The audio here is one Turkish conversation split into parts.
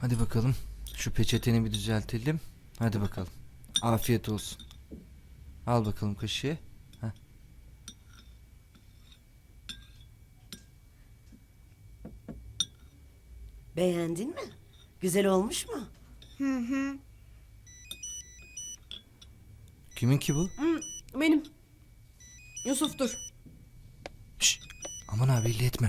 Hadi bakalım. Şu peçeteni bir düzeltelim. Hadi bakalım. Afiyet olsun. Al bakalım kaşığı. Heh. Beğendin mi? Güzel olmuş mu? Kimin ki bu? Benim. Yusuf dur. Şşş. Aman abi belli etme.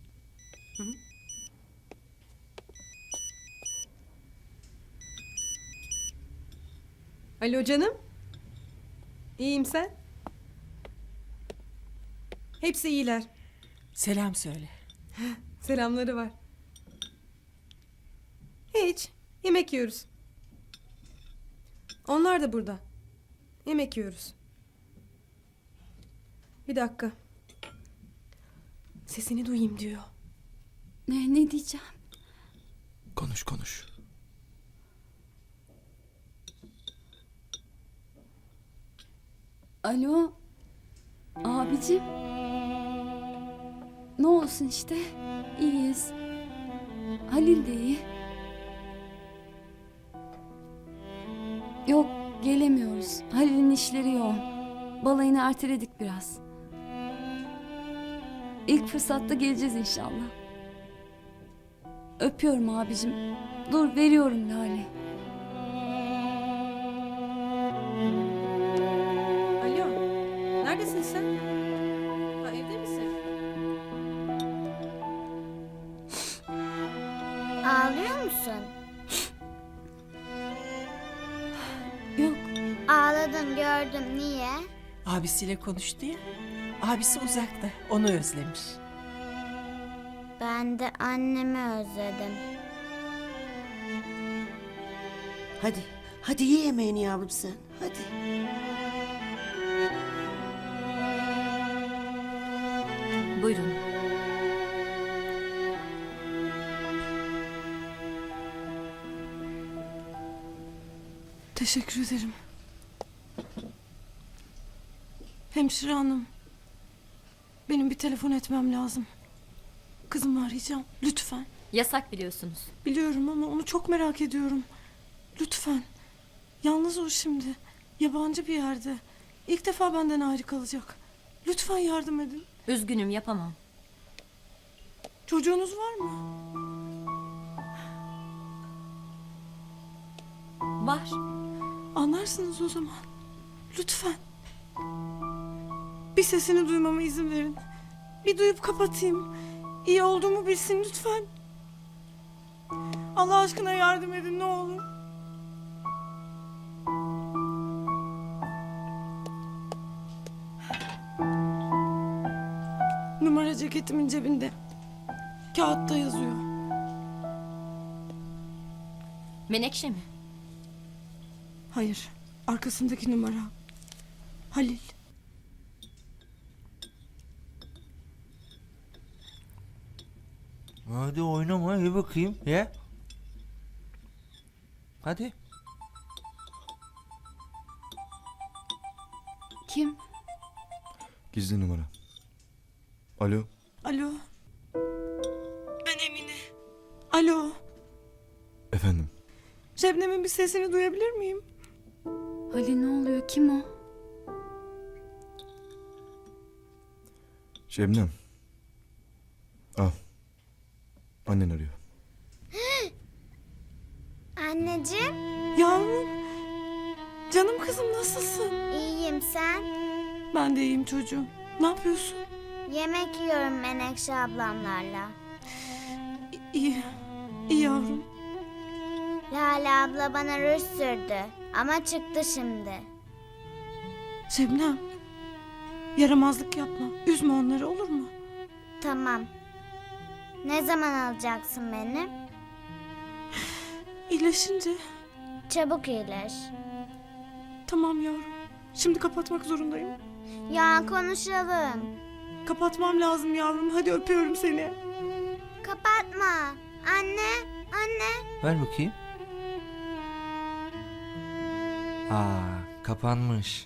Alo canım. İyiyim sen? Hepsi iyiler. Selam söyle. Selamları var. Hiç. Yemek yiyoruz. Onlar da burada. Yemek yiyoruz. Bir dakika. Sesini duyayım diyor. Ne diyeceğim? Konuş konuş. Alo. Abicim. Ne olsun işte. İyiyiz. Halil de iyi. Yok gelemiyoruz. Halil'in işleri yoğun. Balayını erteledik biraz. İlk fırsatta geleceğiz inşallah. Öpüyorum abicim. Dur veriyorum Lale. Alo. Neredesin sen? Ha, evde misin? Ağlıyor musun? Yok Ağladın gördüm. Niye? Abisiyle konuştu ya. Abisi uzakta. Onu özlemiş. Ben de annemi özledim. Hadi. Hadi ye yemeğini yavrum sen. Hadi. Buyurun. Teşekkür ederim. Hemşire hanım. Benim bir telefon etmem lazım. Kızımı arayacağım. Lütfen. Yasak biliyorsunuz. Biliyorum ama onu çok merak ediyorum. Lütfen. Yalnız o şimdi. Yabancı bir yerde. İlk defa benden ayrı kalacak. Lütfen yardım edin. Üzgünüm yapamam. Çocuğunuz var mı? Var. Anlarsınız o zaman. Lütfen. Bir sesini duymama izin verin. Bir duyup kapatayım. İyi olduğumu bilsin lütfen. Allah aşkına yardım edin ne olur. Numara ceketimin cebinde. Kağıtta yazıyor. Menekşe mi? Hayır. Arkasındaki numara. Halil. Hadi oynama ye bakayım ye. Hadi. kim? Gizli numara. Alo. Alo. Ben Emine. Alo. Efendim. Şebnem'in bir sesini duyabilir miyim? Halil ne oluyor? Kim o? Şebnem. Al. Annen arıyor. Anneciğim, Yavrum. Canım kızım nasılsın? iyiyim sen? Ben de iyiyim çocuğum. Ne yapıyorsun? Yemek yiyorum Menekşe ablamlarla. İyi. İyi yavrum. Lale abla bana ruj sürdü. Ama çıktı şimdi. Şebnem. Yaramazlık yapma. Üzme onları olur mu? Tamam. Ne zaman alacaksın beni? İyileşince. Çabuk iyileş. Tamam yavrum. Şimdi kapatmak zorundayım. Ya konuşalım. Kapatmam lazım yavrum. Hadi öpüyorum seni. Kapatma. Anne, anne. Ver bakayım. Kapanmış.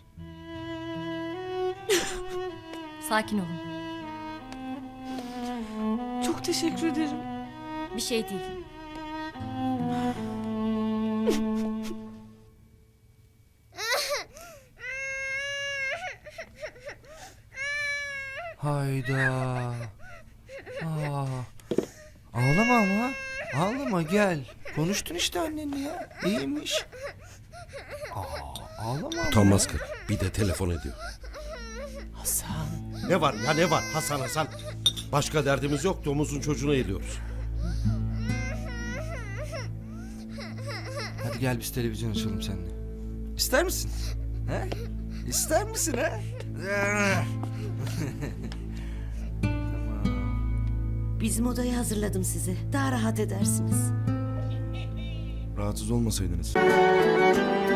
Sakin olun. Çok teşekkür ederim. Bir şey değil. Hayda. Aa. Ağlama ama. Ağlama gel. Konuştun işte annenle ya. İyiymiş. Ağlama ama. Utanmaz kız. Bir de telefon ediyor. Hasan. Ne var ya ne var Hasan Hasan. Başka derdimiz yok, domuzun çocuğunu ediyoruz. Hadi gel biz televizyon açalım seninle. İster misin? He? İster misin ha? Bizim odayı hazırladım size. Daha rahat edersiniz. Rahatsız olmasaydınız.